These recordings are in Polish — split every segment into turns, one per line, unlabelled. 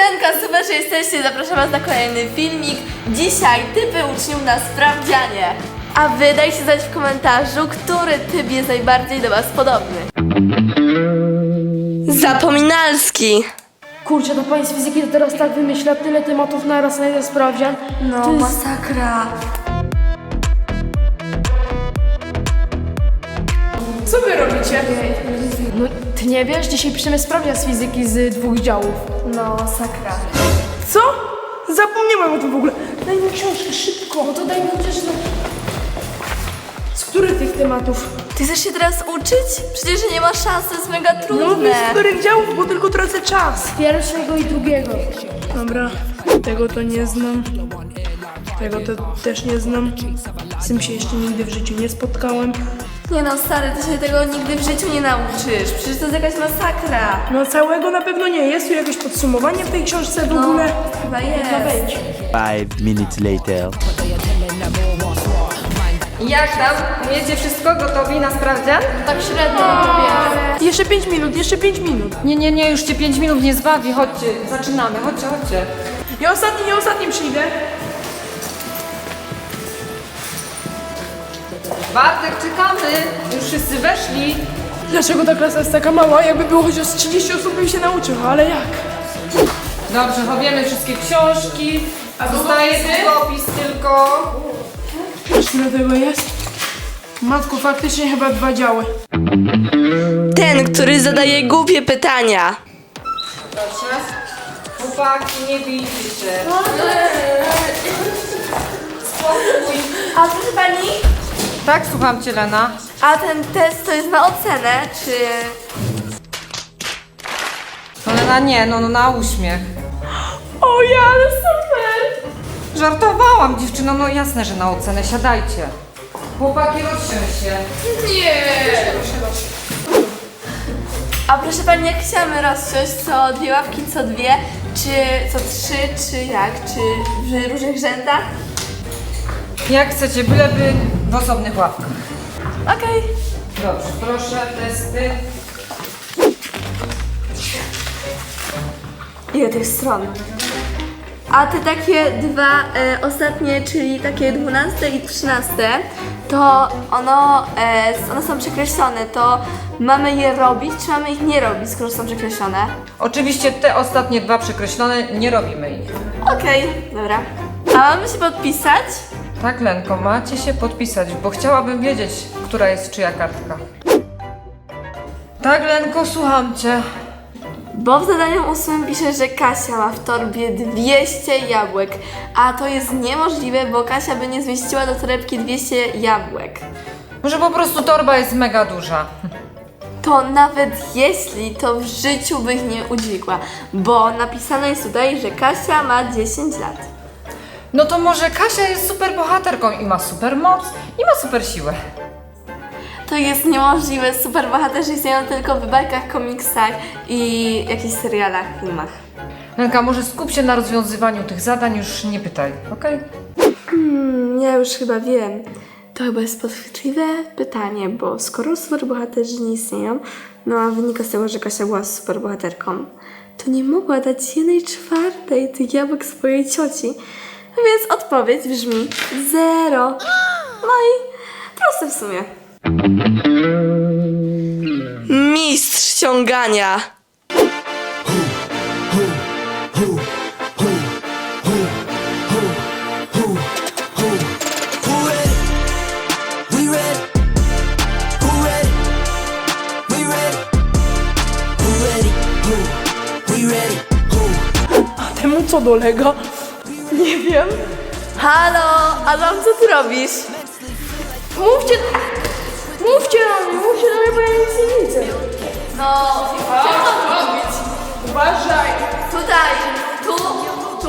Siemanka, super, że jesteście. Zapraszam was na kolejny filmik. Dzisiaj typy uczniów na sprawdzianie. A wy dajcie znać w komentarzu, który typ jest najbardziej do was podobny. Zapominalski.
Kurczę, to pani z fizyki to teraz tak wymyśla tyle tematów naraz na jeden sprawdzian.
No,
To jest...
masakra.
Co wy robicie? No, ty nie wiesz? Dzisiaj piszemy sprawdzian z fizyki z 2 działów.
No, masakra.
Co? Zapomniałem o tym w ogóle. Daj mi książkę, szybko. No to daj mi chociaż... Z których tych tematów?
Ty chcesz się teraz uczyć? Przecież nie ma szans, to jest mega trudne.
z których działów, bo tylko tracę czas. Pierwszego i drugiego. Dobra, tego to nie znam. Tego to też nie znam. Z tym się jeszcze nigdy w życiu nie spotkałem.
Nie no, stary, ty się tego nigdy w życiu nie nauczysz. Przecież to jest jakaś masakra.
No całego na pewno nie. Jest tu jakieś podsumowanie w tej książce w
No,
ogóle?
chyba
No
jest.
wejdź.
5 minutes later.
Jak tam? Umiecie wszystko? Gotowi na sprawdzian?
Tak średnio lubię.
Jeszcze 5 minut, jeszcze 5 minut.
Nie, już cię 5 minut nie zbawi. Chodźcie, zaczynamy. Chodźcie.
Ja ostatni przyjdę.
Bartek, czekamy. Już wszyscy weszli.
Dlaczego ta klasa jest taka mała? Jakby było chociaż 30 osób bym się nauczył, ale jak?
Dobrze, chowiemy wszystkie książki. Zostaje długopis tylko.
Wiesz ile tego jest? Matko, faktycznie chyba 2 działy.
Ten, który zadaje głupie pytania.
Proszę. Chłopaki, nie bijcie się.
A proszę pani,
Tak, słucham cię, Lena.
a ten test to jest na ocenę, czy...
No Lena, nie, no na uśmiech.
O ja, ale super!
Żartowałam, dziewczyno, no jasne, że na ocenę. Siadajcie. Chłopaki, rozsiądź się.
A proszę pani, jak chciamy rozsiąść, co 2 ławki, co 2, czy co 3, czy jak, czy w różnych rzędach?
Jak chcecie, byleby w osobnych ławkach.
Okej.
Dobrze, proszę, testy.
Ile tych stron? A te takie 2 ostatnie, czyli takie 12 i 13, to one są przekreślone, to mamy je robić, czy mamy ich nie robić, skoro są przekreślone?
Oczywiście te ostatnie 2 przekreślone, nie robimy ich.
Okej, dobra. A mamy się podpisać?
Tak, Lenko, macie się podpisać, bo chciałabym wiedzieć, która jest czyja kartka. Tak, Lenko, słucham cię.
Bo w zadaniu 8 pisze, że Kasia ma w torbie 200 jabłek, a to jest niemożliwe, bo Kasia by nie zmieściła do torebki 200 jabłek.
Może po prostu torba jest mega duża.
To nawet jeśli, to w życiu by ich nie udźwigła, bo napisane jest tutaj, że Kasia ma 10 lat.
No to może Kasia jest super bohaterką i ma super moc i ma super siłę.
To jest niemożliwe, superbohaterzy istnieją tylko w bajkach, komiksach i jakichś serialach, filmach.
Lenka, może skup się na rozwiązywaniu tych zadań, już nie pytaj, okej?
Ja już chyba wiem. To chyba jest podchwytliwe pytanie, bo skoro superbohaterzy nie istnieją, no a wynika z tego, że Kasia była superbohaterką, to nie mogła dać 1/4 tych jabłek swojej cioci. Więc odpowiedź brzmi 0. No i proste w sumie. Mistrz ciągania.
A temu co dolega? Nie wiem.
Halo, Adam, co ty robisz?
Mówcie na mnie, bo ja nic nie widzę.
No, co mam robić?
Uważaj.
Tutaj, tu.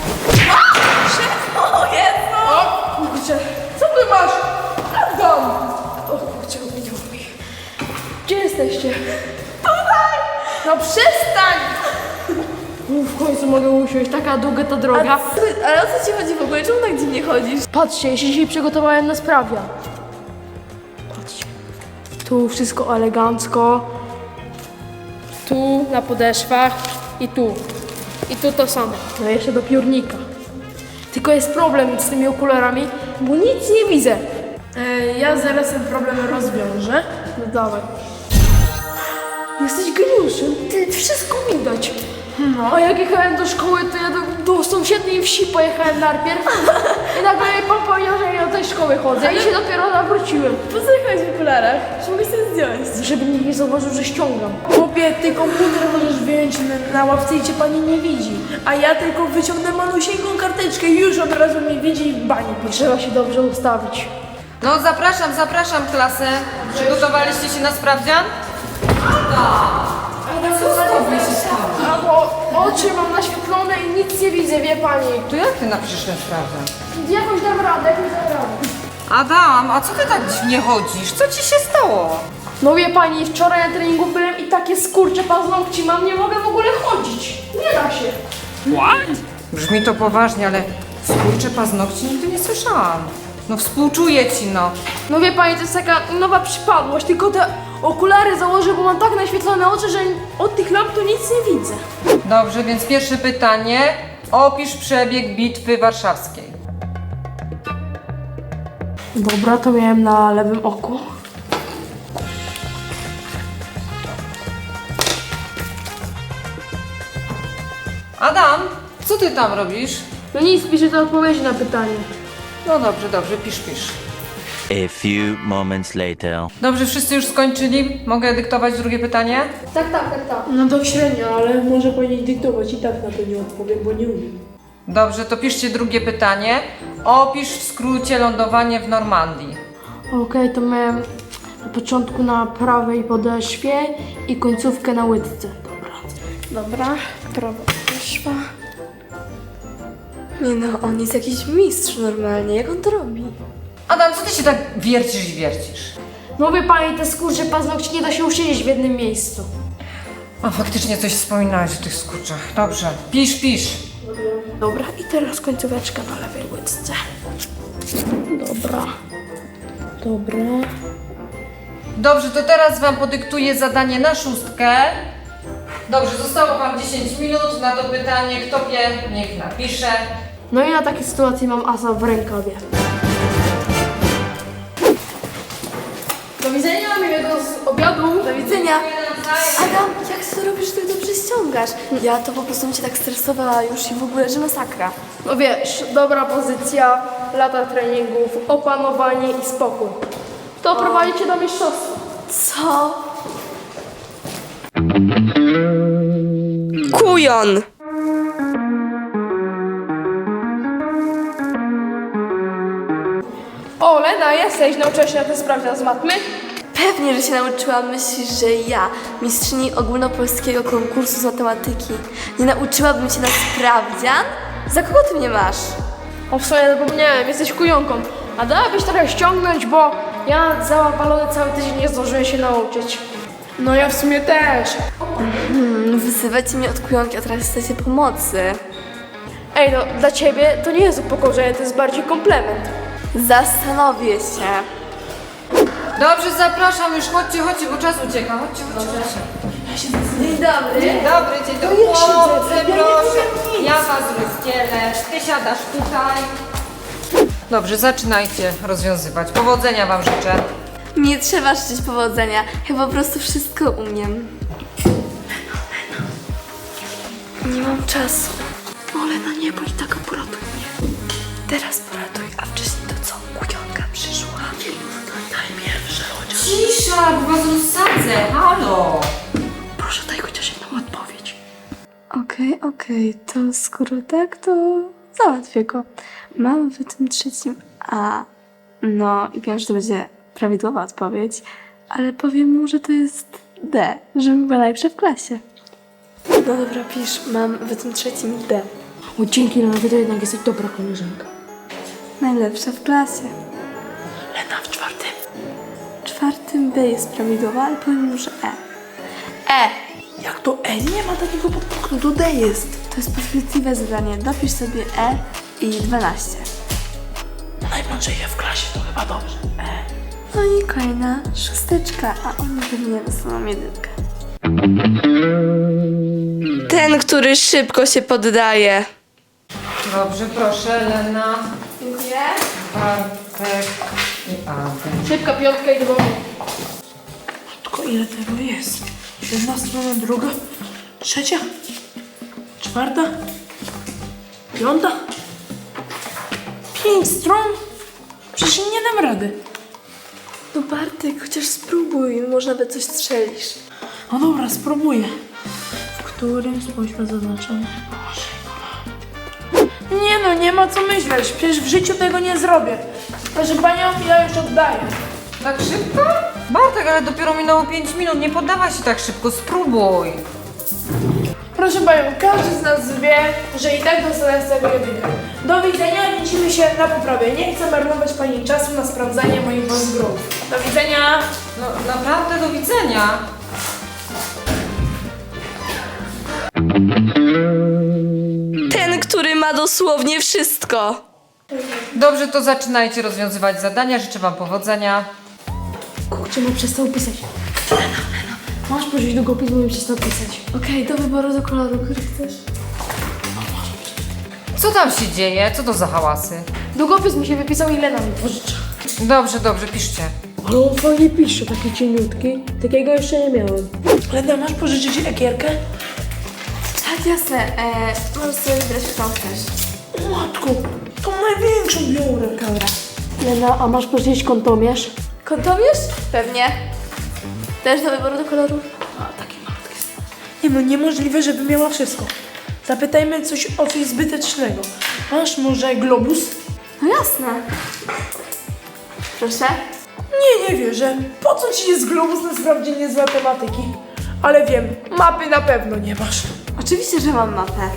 O Jezu!
O kurczę, co ty masz? Adam! O kurczę, minęło mi. Gdzie jesteście? Tutaj! No przestań! W końcu mogę usiąść, taka długa ta droga.
Ale o co ci chodzi w ogóle? Czemu tak dziwnie chodzisz?
Patrzcie, ja się dzisiaj przygotowałem na sprawdzian. Patrzcie. Tu wszystko elegancko. Tu na podeszwach i tu. I tu to samo. No jeszcze do piórnika. Tylko jest problem z tymi okularami, bo nic nie widzę. Ja zaraz ten problem rozwiążę. No dawaj. Jesteś geniuszem, ty wszystko widać. No, a jak jechałem do szkoły, to ja do sąsiedniej wsi pojechałem najpierw. I nagle pan powiedział, że ja do tej szkoły chodzę i się dopiero nawróciłem.
Po co jechałeś w okularach? Czy mogę sobie zdjąć?
Żeby nikt nie zauważył, że ściągam.
Chłopie, ty komputer możesz wyjąć na ławce i cię pani nie widzi. A ja tylko wyciągnę malusieńką karteczkę i już od razu mnie widzi i w bani pisze.
Trzeba się dobrze ustawić.
No zapraszam klasę. Przygotowaliście się na sprawdzian?
A bo oczy mam naświetlone i nic nie widzę, wie pani.
To jak ty napiszesz ten sprawdzian?
Jakoś dam radę.
Adam, a co ty tak dziwnie chodzisz? Co ci się stało?
No wie pani, wczoraj na treningu byłem i takie skurcze paznokci mam, nie mogę w ogóle chodzić. Nie da się.
Brzmi to poważnie, ale skurcze paznokci nigdy nie słyszałam. No współczuję ci, no.
No wie pani, to jest taka nowa przypadłość, tylko te okulary założę, bo mam tak naświetlone oczy, że od tych lamp to nic nie widzę.
Dobrze, więc pierwsze pytanie. Opisz przebieg bitwy warszawskiej.
Dobra, to miałem na lewym oku.
Adam, co ty tam robisz?
No nic, piszę te odpowiedzi na pytanie.
No dobrze, pisz.
A few moments later.
Dobrze, wszyscy już skończyli? Mogę dyktować drugie pytanie?
Tak.
No to średnio, ale może powinien dyktować i tak na to nie odpowiem, bo nie umiem.
Dobrze, to piszcie drugie pytanie. Opisz w skrócie lądowanie w Normandii.
Okej, to miałem na początku na prawej podeszwie i końcówkę na łydce.
Dobra, prawo wyszła. Nie no, on jest jakiś mistrz normalnie, jak on to robi?
Adam, co ty się tak wiercisz i wiercisz?
No wie pani, te skurcze paznokci nie da się usiedzieć w jednym miejscu.
A faktycznie coś wspominałeś o tych skurczach. Dobrze, pisz.
Dobra, i teraz końcóweczka na lewej łydce. Dobra.
Dobrze, to teraz wam podyktuję zadanie na 6. Dobrze, zostało wam 10 minut na to pytanie. Kto wie, niech napisze.
No i na takie sytuacje mam asa w rękawie. Do widzenia, miłego obiadu.
Do widzenia. Adam, jak ty to robisz, że tak dobrze ściągasz? Ja to po prostu mi się tak stresowała już i w ogóle, że masakra.
No wiesz, dobra pozycja, lata treningów, opanowanie i spokój. To prowadzi cię do mistrzostwa.
Co? Kujon!
O, Lena, jesteś? Nauczyłaś się na ten sprawdzian z matmy?
Pewnie, że się nauczyłam. Myślisz, że ja, mistrzyni ogólnopolskiego konkursu z matematyki, nie nauczyłabym się na sprawdzian? Za kogo ty mnie masz?
O, w sumie zapomniałem, jesteś kujonką. A dałabyś trochę ściągnąć, bo ja załapalony cały tydzień nie zdążyłem się nauczyć.
No ja w sumie też.
Wyzywacie mnie od kujonki, a teraz chcecie pomocy.
Ej, no dla ciebie to nie jest upokorzenie, to jest bardziej komplement.
Zastanowię się.
Dobrze, zapraszam już. Chodźcie, bo czas ucieka. Chodźcie.
Dzień dobry.
Dzień dobry. Chłopcy, proszę. Ja was rozdzielę. Ty siadasz tutaj. Dobrze, zaczynajcie rozwiązywać. Powodzenia wam życzę.
Nie trzeba życzyć powodzenia. Ja po prostu wszystko umiem. Nie mam czasu. O, Lena, nie bądź taka, poratuj mnie. Teraz poratuj, a wcześniej to co? Kujonka przyszła. Daj pierwsze chociaż.
Cisza, bo was rozsadzę. Halo.
Proszę, daj chociaż jedną odpowiedź. Okej, to skoro tak, to załatwię go. Mam w tym trzecim A. No i wiem, że to będzie prawidłowa odpowiedź, ale powiem mu, że to jest D, żebym była najlepsza w klasie. No dobra, pisz. Mam w tym trzecim D.
O, dzięki, Lena, ty to jednak jesteś dobra koleżanka.
Najlepsza w klasie.
Lena w czwartym.
W czwartym B jest prawidłowa, ale powiem mu, że E. E!
Jak to E? Nie ma takiego podpunktu, to D jest.
To jest podchwytliwe zadanie. Dopisz sobie E i 12.
Najmądrzejsze w klasie, to chyba dobrze.
No i kolejna szósteczka, a oni pewnie dostaną jedynkę. D! Ten, który szybko się poddaje.
Dobrze, proszę, Lena,
Dziękuję.
Bartek i Adam.
Szybka piątka i do domu. Tylko ile tego jest? Jedna strona, druga, trzecia, czwarta, piąta. 5 stron? Przecież nie dam rady.
No Bartek, chociaż spróbuj, może nawet coś strzelisz.
No dobra, spróbuję. W którym spójrzmy zaznaczone? Boże, nie no, nie ma co myśleć. Przecież w życiu tego nie zrobię. Proszę panią, ja już oddaję.
Tak szybko? Bartek, ale dopiero minęło 5 minut, nie poddawaj się tak szybko, spróbuj.
Proszę panią, każdy z nas wie, że i tak dostanę z tego jedynkę. Do widzenia, widzimy się na poprawie. Nie chcę marnować pani czasu na sprawdzanie moich bazgrów. Do widzenia.
No naprawdę, do widzenia.
Ten, który ma dosłownie wszystko.
Dobrze, to zaczynajcie rozwiązywać zadania, życzę wam powodzenia.
Kurczę, no przestał pisać. Lena, masz pożyć długopis, bo mi przestał pisać.
Okej, do wyboru do koloru, który chcesz.
Co tam się dzieje? Co to za hałasy?
Długopis mi się wypisał i Lena mi pożycza.
Dobrze, piszcie.
Ale on fajnie pisze, taki cieniutki. Takiego jeszcze nie miałem. Lena, masz pożyczyć lakierkę?
Tak, jasne. Możesz sobie wybrać, którą chcesz.
O matku, tą największą biorę. Dobra. Lena, a masz pożyczyć kątomierz?
Kątomierz? Pewnie. Też do wyboru do koloru?
A, taki malutki. Nie no, niemożliwe, żeby miała wszystko. Zapytajmy o coś zbytecznego. Masz może globus?
No jasne. Proszę.
Nie wierzę. Po co ci jest globus na sprawdzianie z matematyki? Ale wiem, mapy na pewno nie masz.
Oczywiście, że mam mapę.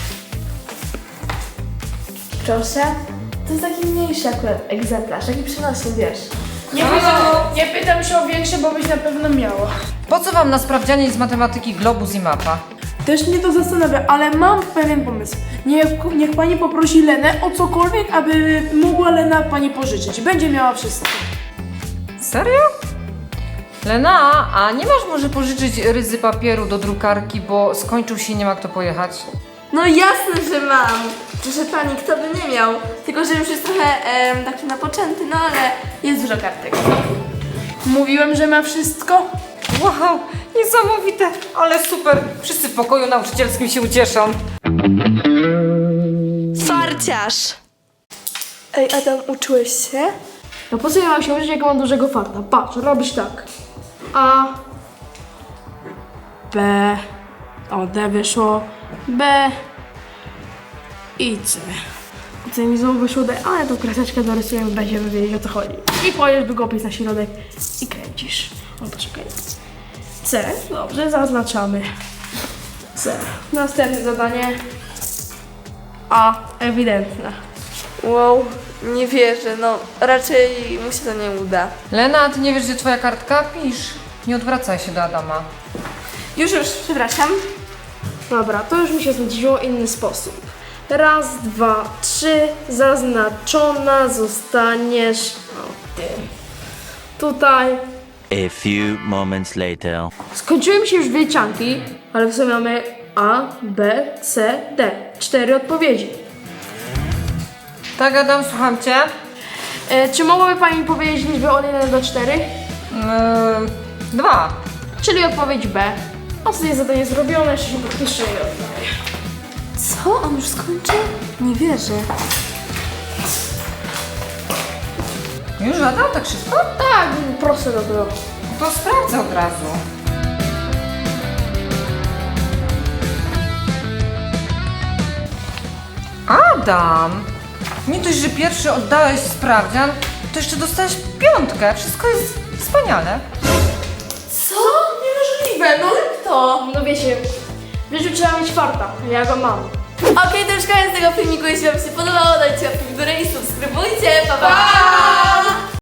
Proszę. To jest taki mniejszy akurat egzemplarz, taki przenośny, wiesz.
Nie pytam się o większe, bo byś na pewno miała.
Po co wam na sprawdzianie z matematyki globus i mapa?
Też mnie to zastanawia, ale mam pewien pomysł. Niech pani poprosi Lenę o cokolwiek, aby mogła Lena pani pożyczyć. Będzie miała wszystko.
Serio? Lena, a nie masz może pożyczyć ryzy papieru do drukarki, bo skończył się i nie ma kto pojechać?
No jasne, że mam. Proszę pani, kto by nie miał. Tylko, że już jest trochę taki napoczęty, no ale jest dużo kartek.
Mówiłem, że ma wszystko.
Wow, niesamowite, ale super. Wszyscy w pokoju nauczycielskim się ucieszą.
Farciarz. Ej, Adam, uczyłeś się?
No po co ja mam się uczyć, jak mam dużego farta? Patrz, robisz tak. A, B, o D wyszło, B i C. C mi znowu wyszło D, ale tą kreseczkę dorysujemy, będziemy wiedzieć, o co chodzi. I kładziesz długopis na środek i kręcisz. O, poczekaj. C, dobrze, zaznaczamy. C. Następne zadanie. A, ewidentne.
Wow, nie wierzę, no raczej mu się to nie uda.
Lena, ty nie wiesz, gdzie twoja kartka? Pisz. Nie odwracaj się do Adama.
Już, przepraszam.
Dobra, to już mi się znudziło inny sposób. Raz, dwa, trzy, zaznaczona zostaniesz tutaj.
A few moments later.
Skończyły mi się już wyliczanki, ale w sumie mamy A, B, C, D. 4 odpowiedzi.
Tak, Adam, słucham cię.
Czy mogłaby pani powiedzieć liczbę od 1 do 4?
2.
Czyli odpowiedź B. Ostatnie zadanie zrobione, jeszcze się podpiszę i oddaję.
Co? On już skończył? Nie wierzę.
Już Adam, tak szybko?
Tak, proste to było.
To sprawdzę od razu. Adam! Nie dość, że pierwszy oddałeś sprawdzian, to jeszcze dostałeś 5. Wszystko jest wspaniale.
Co? Niemożliwe, no jak to?
No wiecie, w życiu trzeba mieć farta, ja go mam.
Okej, to już koniec tego filmiku. Jeśli wam się podobało, dajcie łapkę w górę i subskrybujcie. Pa!